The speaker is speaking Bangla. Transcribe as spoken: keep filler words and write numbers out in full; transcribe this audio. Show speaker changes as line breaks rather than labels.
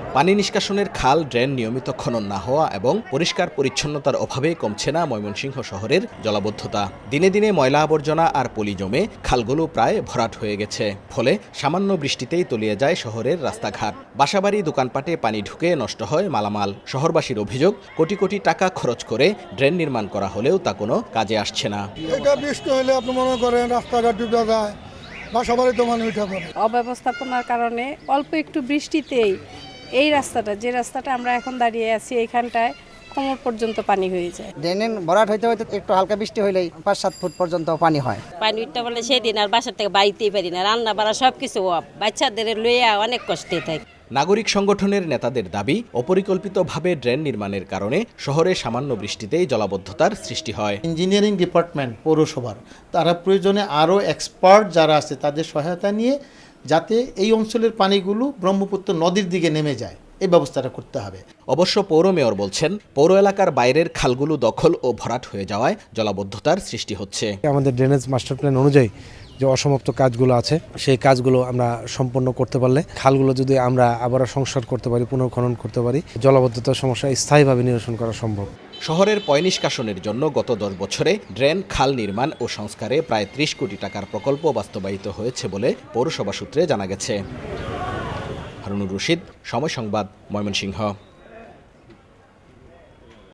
পানি নিষ্কাশনের খাল, ড্রেন নিয়মিত খনন না হওয়া এবং পরিষ্কার পরিচ্ছন্নতার অভাবে কমছে না ময়মনসিংহ শহরের জলাবদ্ধতা। দিনে দিনে ময়লা আবর্জনা আর পলি জমে খালগুলো প্রায় ভরাট হয়ে গেছে। ফলে সামান্য বৃষ্টিতেই তলিয়ে যায় শহরের রাস্তাঘাট। বাসাবাড়ি, দোকানপাটে পানি ঢুকে নষ্ট হয় মালামাল। শহরবাসীর অভিযোগ, কোটি কোটি টাকা খরচ করে ড্রেন নির্মাণ করা হলেও তা কোনো কাজে আসছে না।
এটা বৃষ্টি হলে আপনি মনে করেন রাস্তাঘাট ডুবে যায়, বাসাবাড়ি তো মানে উঠে পড়ে।
অব্যবস্থাপনার কারণে অল্প একটু বৃষ্টিতেই এই রাস্তাটা, যে রাস্তাটা আমরা এখন দাঁড়িয়ে আছি, এইখানটায় কোমর পর্যন্ত পানি হয়ে যায়।
ড্রেনের ভরাট হইতে হইতে একটু হালকা বৃষ্টি হইলেই পাঁচ সাত ফুট পর্যন্ত পানি হয়।
পানি উঠতে বলে সেদিন আর বাসার থেকে বাড়িতেই পারি না, রান্না বাড়া সব কিছু অফ, বাচ্চাদের লইয়া অনেক কষ্টে থাকে।
নাগরিক সংগঠনের নেতাদের দাবি, অপরিকল্পিতভাবে ড্রেন নির্মাণের কারণে শহরে সামান্য বৃষ্টিতেই জলাবদ্ধতার সৃষ্টি হয়।
ইঞ্জিনিয়ারিং ডিপার্টমেন্ট, পৌরসভার তারা প্রয়োজনে আরও এক্সপার্ট যারা আছে তাদের সহায়তা নিয়ে যাতে এই অঞ্চলের পানিগুলো ব্রহ্মপুত্র নদীর দিকে নেমে যায়, এই ব্যবস্থাটা করতে হবে।
অবশ্য পৌর মেয়র বলছেন, পৌর এলাকার বাইরের খালগুলো দখল ও ভরাট হয়ে যাওয়ায় জলাবদ্ধতার সৃষ্টি হচ্ছে।
আমাদের ড্রেনেজ মাস্টার প্ল্যান অনুযায়ী যে অসমাপ্ত কাজগুলো আছে, সেই কাজগুলো আমরা সম্পন্ন করতে পারলে, খালগুলো যদি আমরা আবার সংস্কার করতে পারি, পুনর্খনন করতে পারি, জলাবদ্ধতার সমস্যা স্থায়ীভাবে নিরসন করা সম্ভব।
শহরের পয় নিষ্কাশনের জন্য গত দশ বছরে ড্রেন, খাল নির্মাণ ও সংস্কারে প্রায় ত্রিশ কোটি টাকার প্রকল্প বাস্তবায়িত হয়েছে বলে পৌরসভা সূত্রে জানা গেছে। হারুনুর রশিদ, সময় সংবাদ, ময়মনসিংহ।